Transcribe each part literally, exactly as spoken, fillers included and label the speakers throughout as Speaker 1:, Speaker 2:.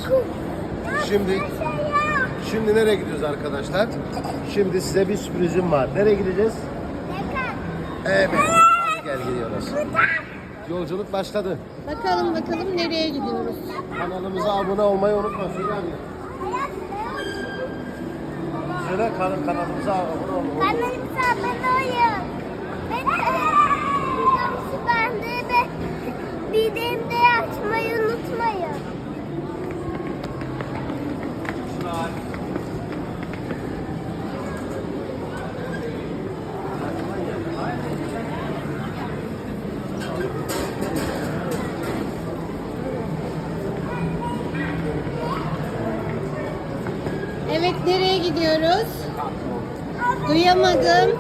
Speaker 1: Şimdi şimdi nereye gidiyoruz arkadaşlar? Şimdi size bir sürprizim var. Nereye gideceğiz? Evet. Hadi gel gidiyoruz. Yolculuk başladı.
Speaker 2: Bakalım bakalım nereye gidiyoruz?
Speaker 1: Kanalımıza abone olmayı unutma. Söyle abi. Söyle kan kanalımıza abone olmayı.
Speaker 3: Kanalımıza abone olun. Ben de bildirimleri açmayı unutmayın.
Speaker 2: Evet, nereye gidiyoruz? Duyamadım.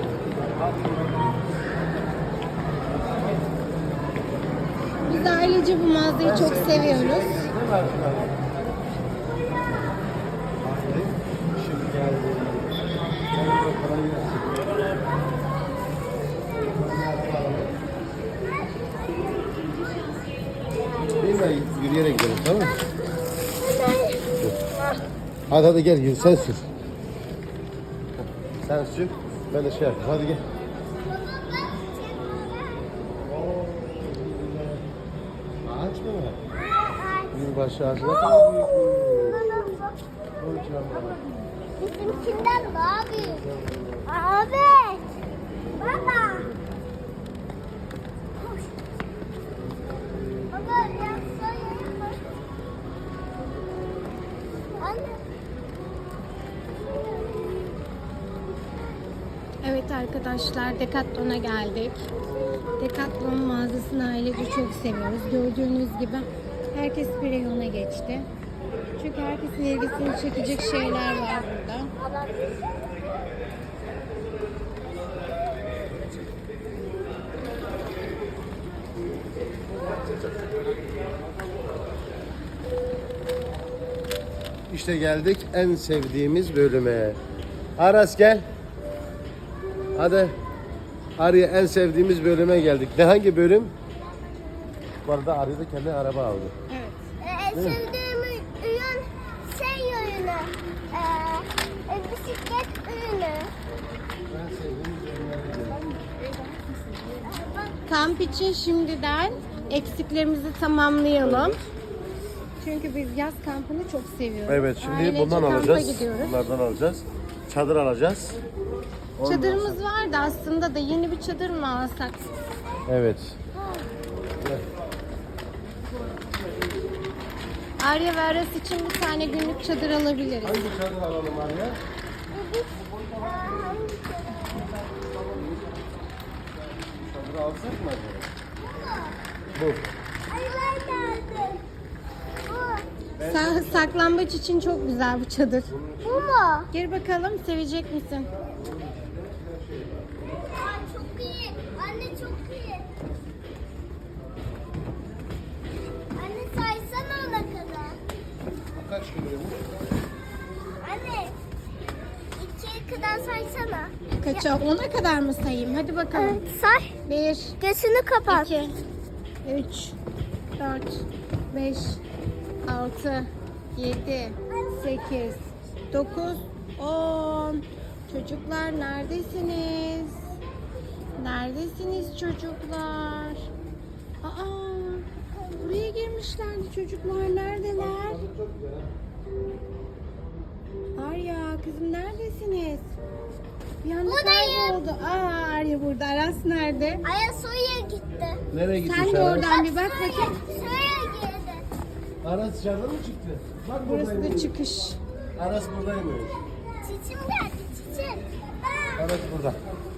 Speaker 2: Biz ailece bu mağazayı çok seviyoruz.
Speaker 1: Şimdi geldi. Değil mi? Yürüyerek gidelim, tamam mı? Hadi hadi gel, yürü, sen sür. Sen sür, ben de şey yapayım. Hadi gel. Ağaç mı var? Yılbaşı ağacı ne kadar büyük. Kocaman.
Speaker 3: Bizimkinden daha büyük. Abi. Baba. Koş. Baba yapsana. Anne.
Speaker 2: Evet arkadaşlar, Decathlon'a geldik. Decathlon mağazasını ailece çok seviyoruz. Gördüğünüz gibi herkes bir reyona geçti. Çünkü herkesin ilgisini çekecek şeyler var burada.
Speaker 1: İşte geldik en sevdiğimiz bölüme. Aras gel. Hadi. Arya en sevdiğimiz bölüme geldik. Ne hangi bölüm? Bu arada Arya da kendi araba aldı.
Speaker 2: Evet.
Speaker 3: Ee, en sevdiğim ürün şey ürünü. Ee, e, bisiklet ürünü.
Speaker 1: En sevdiğimiz ürünler.
Speaker 2: Kamp için şimdiden eksiklerimizi tamamlayalım. Çünkü biz yaz kampını çok seviyoruz.
Speaker 1: Evet, şimdi
Speaker 2: Ailece
Speaker 1: bundan
Speaker 2: kampa
Speaker 1: alacağız.
Speaker 2: gidiyoruz.
Speaker 1: Bunlardan alacağız. Çadır alacağız. Ondan
Speaker 2: Çadırımız
Speaker 1: sonra-
Speaker 2: vardı aslında da yeni bir çadır mı alsak?
Speaker 1: Evet. Gel.
Speaker 2: Arya ve Aras için bir tane günlük çadır alabiliriz.
Speaker 1: Hangi çadır alalım Arya? Çadır alsak mı acaba? Bu.
Speaker 3: Ay ben geldim. Bu.
Speaker 2: Sa- saklambaç için çok güzel bu çadır.
Speaker 3: Bu mu?
Speaker 2: Gir bakalım, sevecek misin?
Speaker 3: Aa, çok iyi. Anne çok iyi. Anne saysana ona kadar.
Speaker 1: Kaç kiloymuş?
Speaker 3: Anne ikiye kadar saysana.
Speaker 2: Kaça? Ona kadar mı sayayım? Hadi bakalım.
Speaker 3: Say.
Speaker 2: Bir,
Speaker 3: Gözünü kapat.
Speaker 2: iki, üç, dört, beş, altı, yedi, sekiz, dokuz, on. Çocuklar neredesiniz? Neredesiniz çocuklar? Aa, buraya girmişlerdi çocuklar. Neredeler? Arya, kızım neredesiniz? Bir anda
Speaker 3: Buradayım.
Speaker 2: kayboldu. Aa, Arya burada. Aras nerede?
Speaker 3: Aya suya gitti.
Speaker 1: Nereye gitmiş
Speaker 2: Sen de
Speaker 1: Aras?
Speaker 2: oradan bir bak bakayım.
Speaker 3: Suya girdi.
Speaker 1: Aras dışarıda mı çıktı? Bak
Speaker 2: Burası da
Speaker 1: buradaymış.
Speaker 2: çıkış.
Speaker 1: Aras buradaymış.
Speaker 3: Çiçim geldi çiçim.
Speaker 1: Aras burada.